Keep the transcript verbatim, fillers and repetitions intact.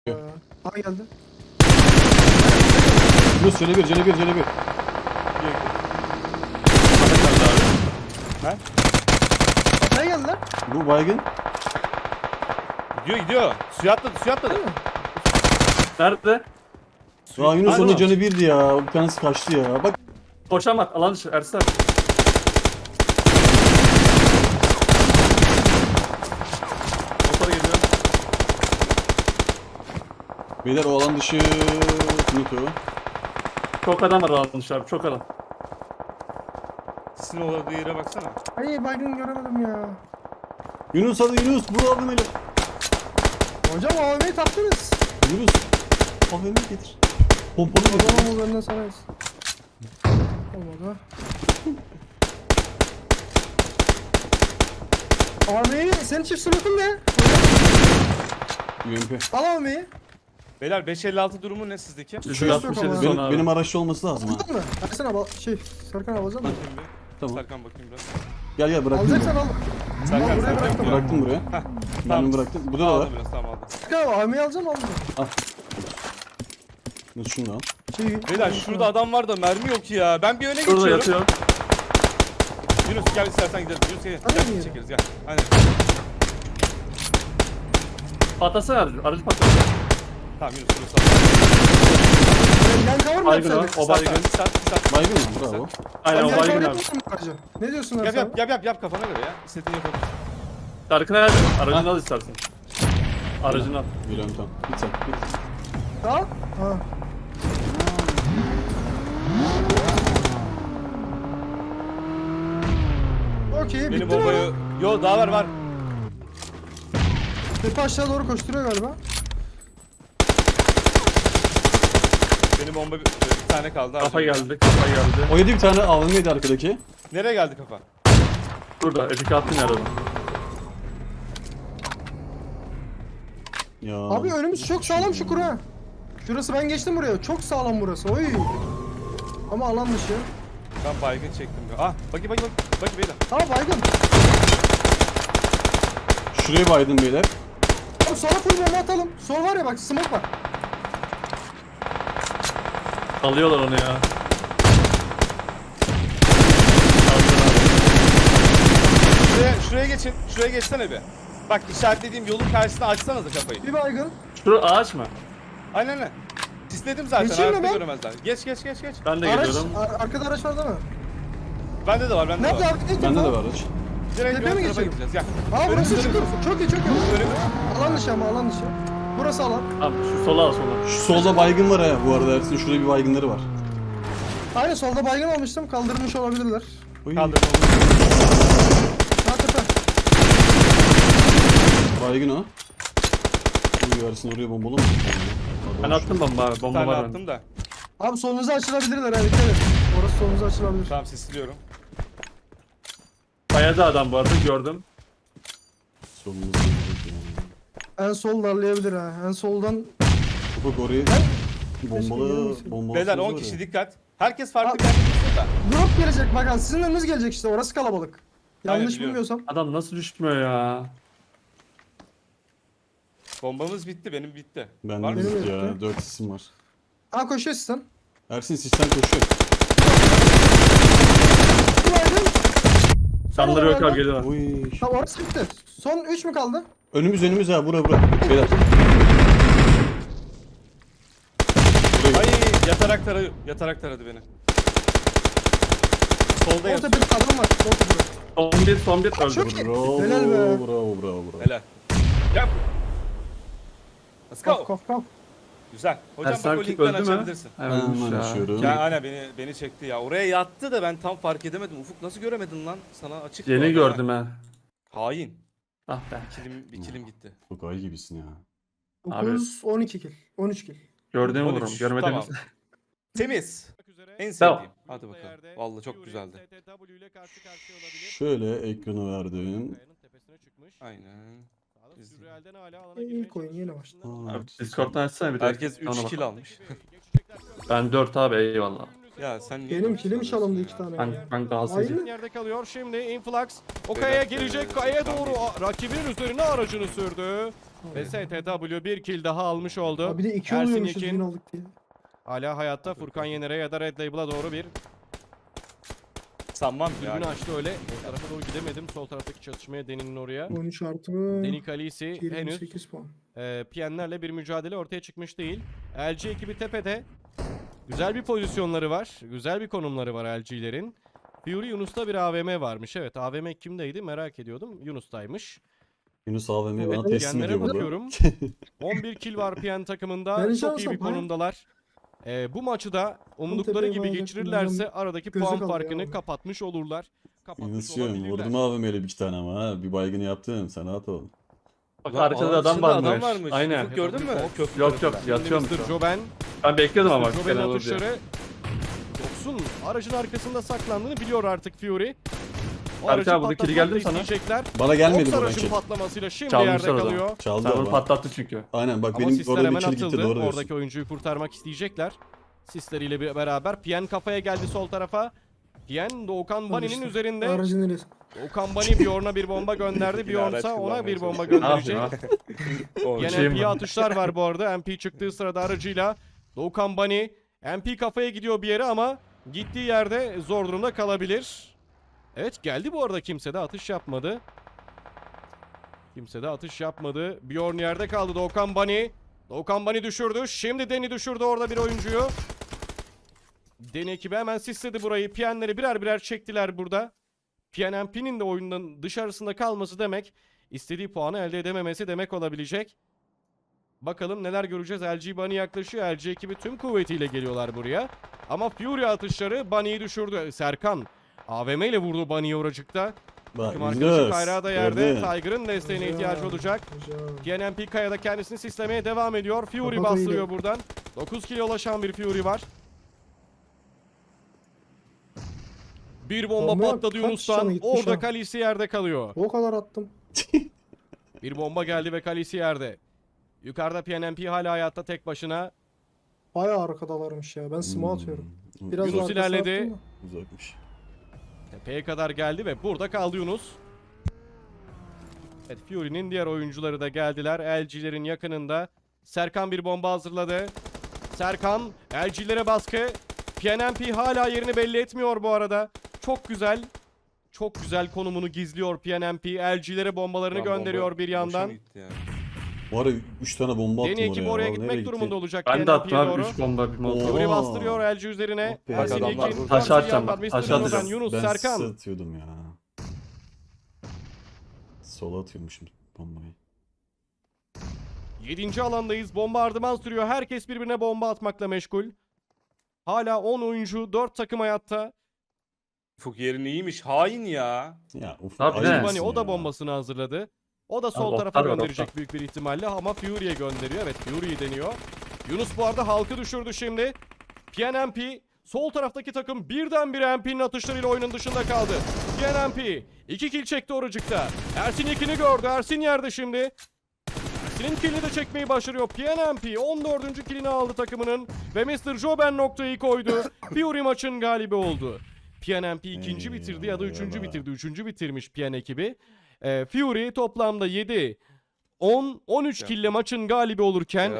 Ha geldi. Yunus canı bir, canı bir, canı bir. Ha? Ne geldi lan? Bu baygın. Gidiyor gidiyor. Suya atladı suya atladı. Nerede? Aa Yunus Aynen. onun canı birdi ya. Bir tanesi kaçtı ya. Bak Koşamak alan dışı Ersin abi. Motora geliyor. beyler o alan dışı Nito. Çok adam var alan dışı abi, çok adam. Sizin olduğu yere baksana. Ay baygın göremedim ya. Yunus hadi Yunus vur abim eli. Hocam A V M'yi taktınız. Yunus. Abimi getir. Pompalı getir. Adamın üzerinden sararız. Olmadı. A V'yi senin çift slotun ne? U M P. Al A V'yi. Beyler beş elli altı durumu ne sizdeki? yüz altmış yedi ama. son Benim, abi. benim araçta olması lazım ha. Aldın mı? Versene al şey Serkan al alacak mı? Bakayım bir. Tamam. Serkan bakayım biraz. Gel gel bıraktım. Alacaksan Ben. al. Serkan Al, buraya Serkan. bıraktım. Bıraktım buraya. Heh, Ben tamam. de bıraktım. Bu da var. Aldım biraz tamam aldım. Serkan A V'yi alacağım aldım. Al. Yunus şunu da al. Şey, Beyler şurada adam var da mermi yok ya. Ben bir öne Şurada geçiyorum. yatıyor. Yunus gel istersen gidelim. Yunus gel. Hadi Gel gidelim. çekeriz gel. Aynen. Patlasana aracı, aracı patlasın. Tamam Yunus Yunus al. Yan cover mı Baygın o, yapsaydık? o baygın. Sat sat sat. Baygın mı? Bravo. Aynen o Yan baygın cover abi. yapmasın mı aracı? Ne diyorsun Yap Ersan? yap yap yap yap kafana göre ya. İstediğini yapabilirsin. Serkan abi, aracını al istersen. Aracını al. Biliyorum tamam. Git sen. Git. Al. Ha. Okey Benim bitti mi? bombayı... Yo daha var var. Tepe aşağı doğru koşturuyor galiba. Benim bomba bir, bir tane kaldı. Kafa harcayayım. geldi, kafa geldi. O yedi bir tane A V M'ydi arkadaki. Nereye geldi kafa? Burada, epik attın ya aradan. Ya. Abi önümüz çok sağlam Şukur ha. Şurası ben geçtim buraya. Çok sağlam burası. Oy. Ama alan dışı. Ben baygın çektim. Ya. Ah bakayım bakayım bakayım beyler. Ha baygın. Şuraya baydım beyler. Abi sola full bomba atalım. Sol var ya bak smoke var. Alıyorlar onu ya. Şuraya, şuraya geçin. Şuraya geçsene bir. Bak işaretlediğim yolun karşısına açsanıza kafayı. Bir baygın. Şu ağaç mı? Aynen aynen. Sisledim zaten. Geçeyim mi Hayatta ben? göremezler. Geç geç geç geç. Ben de Araç. geliyorum. ar- arkada araç var değil mi? Bende de var bende de Nerede var. abi? Ne Bende de tarafa? var araç. Direkt Tepeye ön mi tarafa geçelim? gideceğiz. Gel. Aa burası Önümüzde- Şukur. Çok iyi çok iyi. Önümüz. Alan dışı ama alan dışı. Burası alan. Abi şu sola al sola. Şu solda baygın var ha bu arada Ersin. Şurada bir baygınları var. Aynen solda baygın olmuştum. Kaldırmış olabilirler. Oy. Kaldırma. Ha tepe. Baygın o. Uy Ersin oraya bombalı mı? Ben attım bomba abi, Bir bomba tane var attım da. Abi solunuza açılabilirler ha dikkat et. Orası solunuza açılabilir. Tamam sisliyorum. Bayağı adam bu arada, gördüm. Solumuzda gelecek yani. En sol darlayabilir ha. En soldan. Ufak oraya bombalı Keşke bombalı. Beyler on var ya. kişi dikkat. Herkes farklı Abi- bir yerde dursun da. Drop gelecek bak abi. Sizin önünüz gelecek işte. Orası kalabalık. Aynen, Yanlış biliyorum. bilmiyorsam. Adam nasıl düşmüyor ya? Bombamız bitti benim bitti. Ben Var mı? de Benim ya yok. dört isim var. Ha koşuyor sizden. Ersin sistem koşuyor. Bir baygın. Sanları yok orada. abi, geliyorlar. Oy. Tamam orası bitti. Son üç mü kaldı? Önümüz önümüz ha bura bura. Beyler. Buraya Ay gel. yatarak taradı. Yatarak taradı beni. Solda Orta yatıyor. bir kadın var. Orta bir. Son bir, son bir öldü. Çok iyi. Bravo, Helal be. bravo, bravo, bravo. Helal. Gel. Let's Kaf go. kaf kaf. Güzel. Hocam Ersin bak o abi linkten öldü mü? açabilirsin. Evet, Hemen ya. açıyorum. Ya ana beni beni çekti ya. Oraya yattı da ben tam fark edemedim. Ufuk nasıl göremedin lan? Sana açık. bu Yeni arada. gördüm ha. Hain. Ah be. Kilim, bir kilim gitti. Çok ay gibisin ya. Abi. dokuz, on iki kill. on üç kill. Gördüğümü on üç, vururum, görmediğimiz. tamam. Temiz. En Tamam. sevdiğim. Hadi bakalım. Vallahi çok güzeldi. Şöyle ekranı verdim. Aynen. İlk oyun yeni başladı. Aa, Abi Discord'dan açsana bir de. Herkes Ona üç bak. kill almış. Ben dört abi, eyvallah. Ya sen niye Benim böyle kilim söylüyorsun çalındı ya? iki tane. Ben, ya. ben Galatasaray'cıyım. Aynen. Yerde kalıyor şimdi Influx. O Beyler, kayaya gelecek. e, Kayaya tam doğru değil. a- rakibinin üzerine aracını sürdü. Ve S T W bir kill daha almış oldu. Abi bir de iki Ersin oluyormuşuz Yekin win aldık diye. hala hayatta. Furkan Yener'e ya da Red Label'a doğru bir Sanmam dürbün yani. açtı öyle. O tarafa doğru gidemedim. Sol taraftaki çatışmaya Deni'nin oraya. on üç artı mı? Deni Kalisi yirmi henüz sekiz puan. e, P N'lerle bir mücadele ortaya çıkmış değil. L G ekibi tepede. Güzel bir pozisyonları var. Güzel bir konumları var L G'lerin. Fury Yunus'ta bir A V M varmış. Evet, A V M kimdeydi merak ediyordum. Yunus'taymış. Yunus A V M'yi bana Evet, teslim P N'lere ediyor burada. bakıyorum. on bir kill var P N takımında. Ben Çok iyi şansım, bir ha? konumdalar. Ee, bu maçı da umdukları tepeye gibi bağlayacaktım, geçirirlerse adam aradaki gözü puan kaldı farkını ya. kapatmış olurlar. Kapatmış Yunus'cum olabilirler. vurdum A V M'yle bir iki tane ama ha. Bir baygını yaptım. Sen rahat ol. Bak Ulan arkada ağacın adam içinde varmış. adam varmış. Aynen. Ufuk gördün mü? Köprü Yok yok tarafında. yatıyormuş. Şimdi mister o. Joben. Ben bekliyordum ama. mister Joben'in Fena olur diye. atışları. Yoksun aracın arkasında saklandığını biliyor artık Fury. O Berk aracı abi, buradaki kili geldi mi patlatmak da sana? isteyecekler. Bana gelmedi Oks buradan aracın kill. patlamasıyla şimdi Çalmışlar yerde o zaman. kalıyor. Çaldı Sen onu ama. patlattı çünkü. Aynen bak Ama benim sisler orada bir hemen kill gitti atıldı. doğru diyorsun. Oradaki oyuncuyu kurtarmak isteyecekler. Sisleriyle bir- beraber. P N kafaya geldi sol tarafa. P N Doğukan Bani'nin işte, üzerinde. Aracın neresi? Doğukan Bani Bjorn'a bir bomba gönderdi. Yine Bjorn araç ise ona kullanmaya bir bomba çalışıyor. Ne gönderecek. yapayım ha? O Yine şey M P'ye mi? atışlar var bu arada. M P çıktığı sırada aracıyla. Doğukan Bani M P kafaya gidiyor bir yere ama gittiği yerde zor durumda kalabilir. Evet geldi bu arada, kimse de atış yapmadı. Kimse de atış yapmadı. Bjorn yerde kaldı. Doğukan Bani. Doğukan Bani düşürdü. Şimdi Deni düşürdü orada bir oyuncuyu. Deni ekibi hemen sisledi burayı. P N'leri birer birer çektiler burada. P N M P'nin de oyundan dışarısında kalması demek, istediği puanı elde edememesi demek olabilecek. Bakalım neler göreceğiz. L G Bunny yaklaşıyor. L G ekibi tüm kuvvetiyle geliyorlar buraya. Ama Fury atışları Bunny'yi düşürdü. Serkan A V M ile vurdu Bunny'yi oracıkta. Bak Takım arkadaşı Yunus. Kayra da yerde. gördün. Tiger'ın desteğine Güzel, ihtiyacı olacak. güzel. P N M P Kaya'da kendisini sislemeye devam ediyor. Fury Kapat bastırıyor oyunu. buradan. dokuz kilo ulaşan bir Fury var. Bir bomba Bomba yok. patladı Kaç Yunus'tan. canı gitmiş Orada ha? Kalisi yerde kalıyor. O kadar attım. Bir bomba geldi ve Kalisi yerde. Yukarıda P N M P hala hayatta tek başına. Bayağı arkadalarmış ya. Ben smoke atıyorum. Hmm, Biraz Yunus daha arkasına ilerledi. attım da. Uzakmış. Tepeye kadar geldi ve burada kaldı Yunus. Evet, Fury'nin diğer oyuncuları da geldiler. L G'lerin yakınında. Serkan bir bomba hazırladı. Serkan L G'lere baskı. P N M P hala yerini belli etmiyor bu arada. Çok güzel. Çok güzel konumunu gizliyor P N M P. L G'lere bombalarını Lan bomba gönderiyor bir boşa yandan. mı gitti yani? Bu ara üç tane bomba attım Deni ekibi oraya. oraya Vallahi gitmek nereye durumunda gitti? olacak Ben de P N M attım P'ye abi doğru. üç bomba bir molotov. Oo. Fury bastırıyor L G üzerine. Oh be. Ersin Bak adamlar Yekin. burada. Taş atacağım Var. bak, mister taş Joben, atacağım. Yunus, Ben Serkan. size atıyordum ya. Sola atıyormuşum bombayı. yedinci alandayız. Bombardıman sürüyor. Herkes birbirine bomba atmakla meşgul. Hala on oyuncu, dört takım hayatta. Ufuk yerin iyiymiş. Hain ya. Ya uf. Tabii ayıp ne? mısın Hani o da ya? bombasını hazırladı. O da sol Abi, tarafa oklar var, gönderecek oklar. büyük bir ihtimalle ama Fury'ye gönderiyor. Evet, Fury'yi deniyor. Yunus bu arada halkı düşürdü şimdi. P N M P sol taraftaki takım birdenbire M P'nin atışlarıyla oyunun dışında kaldı. P N M P iki kill çekti oracıkta. Ersin ikini gördü. Ersin yerde şimdi. Ersin'in killini de çekmeyi başarıyor. P N M P on dördüncü killini aldı takımının ve mister Joben noktayı koydu. Fury maçın galibi oldu. P N M P ikinci bitirdi ya da üçüncü Eyvallah. bitirdi. Üçüncü bitirmiş P N ekibi. Ee, Fury toplamda yedi, on, on üç kille maçın galibi olurken